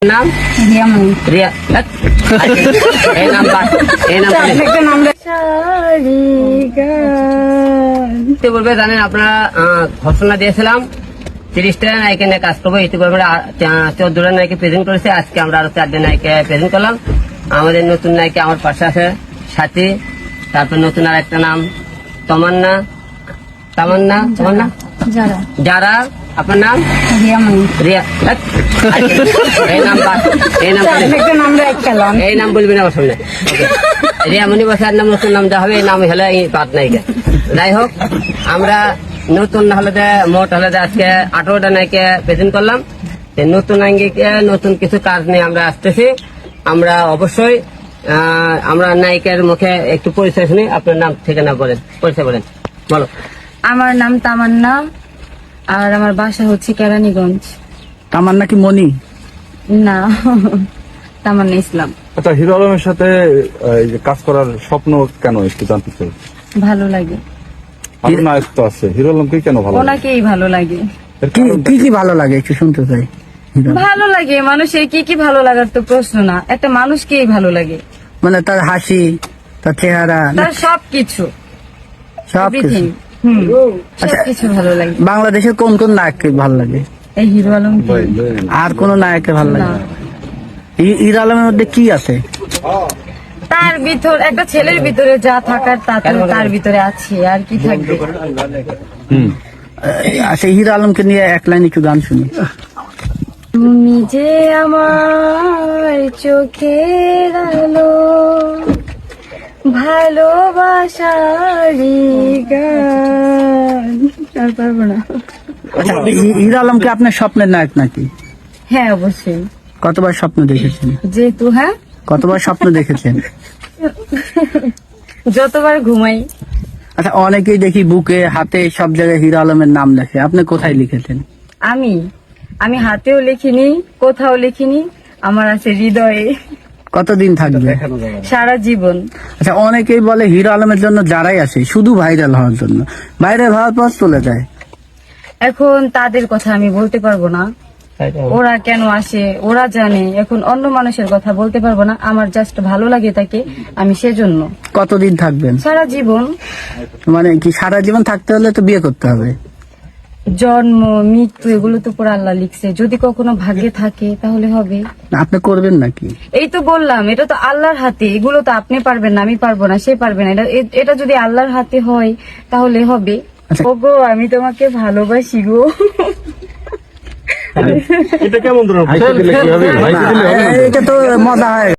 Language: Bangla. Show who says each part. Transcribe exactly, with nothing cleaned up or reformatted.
Speaker 1: নাম রিয়া। এই নাম এই নাম বলবে জানেন আপনারা ঘোষণা দিয়েছিলাম তিরিশটা নায়িকা নিয়ে কাজ করবো, ইতিপূর্বে চোদ্দটা নায়িকা প্রেজেন্ট করেছে। আজকে আমরা আরো চারটে নায়িকা প্রেজেন্ট করলাম। আমাদের নতুন নায়িকা আমার পাশে আছে সাথী, তারপর নতুন আর একটা নাম তমান্না তামান্না তামান্না যারা। আপনার নাম রিয়া। এই নাম এই নাম এই নাম বলবি না আমার সামনে। রিয়া মনি বসার নাম নতুন নাম যা হবে এই নাম হলে এই পাত নায়িকা। যাই হোক, আমরা নতুন হলে মোট হলে আজকে আঠারোটা নায়িকা প্রেজেন্ট করলাম। নতুন নায়িকা নতুন কিছু কাজ নিয়ে আমরা আসতেছি। আমরা অবশ্যই আমরা নায়িকার মুখে একটু পরিচয় শুনি। আপনার নাম ঠিকানা বলেন, পরিচয় বলেন, বলো।
Speaker 2: আমার নাম তামান্না, আর আমার বাসা হচ্ছে কেরানীগঞ্জ।
Speaker 3: তামান্না কি মনি?
Speaker 2: না, তামান্না ইসলাম।
Speaker 4: আচ্ছা, হিরো আলমের সাথে এই যে কাজ করার স্বপ্ন কেন একটু জানতে চাই।
Speaker 2: ভালো লাগে।
Speaker 4: আর নায়ক তো আছে, হিরো আলমকে কেন ভালো লাগে?
Speaker 2: ওনাকেই ভালো লাগে।
Speaker 3: কি- কি কি ভালো লাগে একটু শুনতে চাই।
Speaker 2: ভালো লাগে মানুষের কি কি ভালো লাগার তো প্রশ্ন না, একটা মানুষকেই ভালো লাগে,
Speaker 3: মানে তার হাসি, তার চেহারা,
Speaker 2: তার সবকিছু,
Speaker 3: সবকিছু।
Speaker 2: everything। হুম, সবকিছু ভালো লাগে।
Speaker 3: বাংলাদেশের কোন কোন নায়ককে ভালো লাগে?
Speaker 2: এই হিরো আলম
Speaker 3: আর কোন নায়ককে ভালো লাগে?
Speaker 2: না।
Speaker 3: হি- হিরো আলমের মধ্যে কি আছে?
Speaker 2: তার ভিতর একটা ছেলের ভিতরে যা থাকার তা তো তার ভিতরে আছে, আর কি থাকবে।
Speaker 4: হুম
Speaker 3: আচ্ছা, হিরো আলমকে নিয়ে এক লাইন একটু গান শুনি।
Speaker 2: তুমি যে আমার চোখের আলো, ভালোবাসারি গান। আর পারবো না।
Speaker 3: আচ্ছা, হি- হিরো আলমকে আপনার স্বপ্নের নায়ক নাকি?
Speaker 2: হ্যাঁ, অবশ্যই।
Speaker 3: কতবার স্বপ্ন দেখেছেন?
Speaker 2: যেহেতু হ্যাঁ,
Speaker 3: কতবার স্বপ্ন দেখেছেন?
Speaker 2: যতবার ঘুমাই।
Speaker 3: আচ্ছা, অনেকেই দেখি বুকে হাতে সব জায়গায় হিরো আলমের নাম লেখে, আপনি কোথায় লিখেছেন?
Speaker 2: আমি আমি হাতেও লিখিনি, কোথাও লিখিনি, আমার আছে হৃদয়ে।
Speaker 3: কতদিন থাকবে?
Speaker 2: সারা জীবন।
Speaker 3: আচ্ছা, অনেকেই বলে হিরো আলমের জন্য যারাই আসে শুধু ভাইরাল হওয়ার জন্য, ভাইরাল হওয়ার পর চলে যায়।
Speaker 2: এখন তাদের কথা আমি বলতে পারবো না, ওরা কেন আসে ওরা জানে। এখন অন্য মানুষের কথা বলতে পারবো না, আমার জাস্ট ভালো লাগে তাকে, আমি সেজন্য।
Speaker 3: কতদিন থাকবেন?
Speaker 2: সারা জীবন।
Speaker 3: মানে কি সারা জীবন থাকতে হলে তো বিয়ে করতে হবে?
Speaker 2: জন্ম মৃত্যু এগুলো তো পুরো আল্লাহ লিখছে, যদি কখনো ভাগ্যে থাকে তাহলে হবে।
Speaker 3: আপনি করবেন নাকি?
Speaker 2: এই তো বললাম, এটা তো আল্লাহর হাতে, এগুলো তো আপনি পারবেন না, আমি পারবো না, সে পারবে না। এটা এ- এটা যদি আল্লাহর হাতে হয় তাহলে হবে।
Speaker 3: আচ্ছা।
Speaker 2: ওগো, আমি তোমাকে ভালোবাসি গো।
Speaker 4: এটা কেমন ধরনের? ভাইকে দিলে কি হবে? ভাইকে দিলে হবে না?
Speaker 3: এটা তো মজা হয়।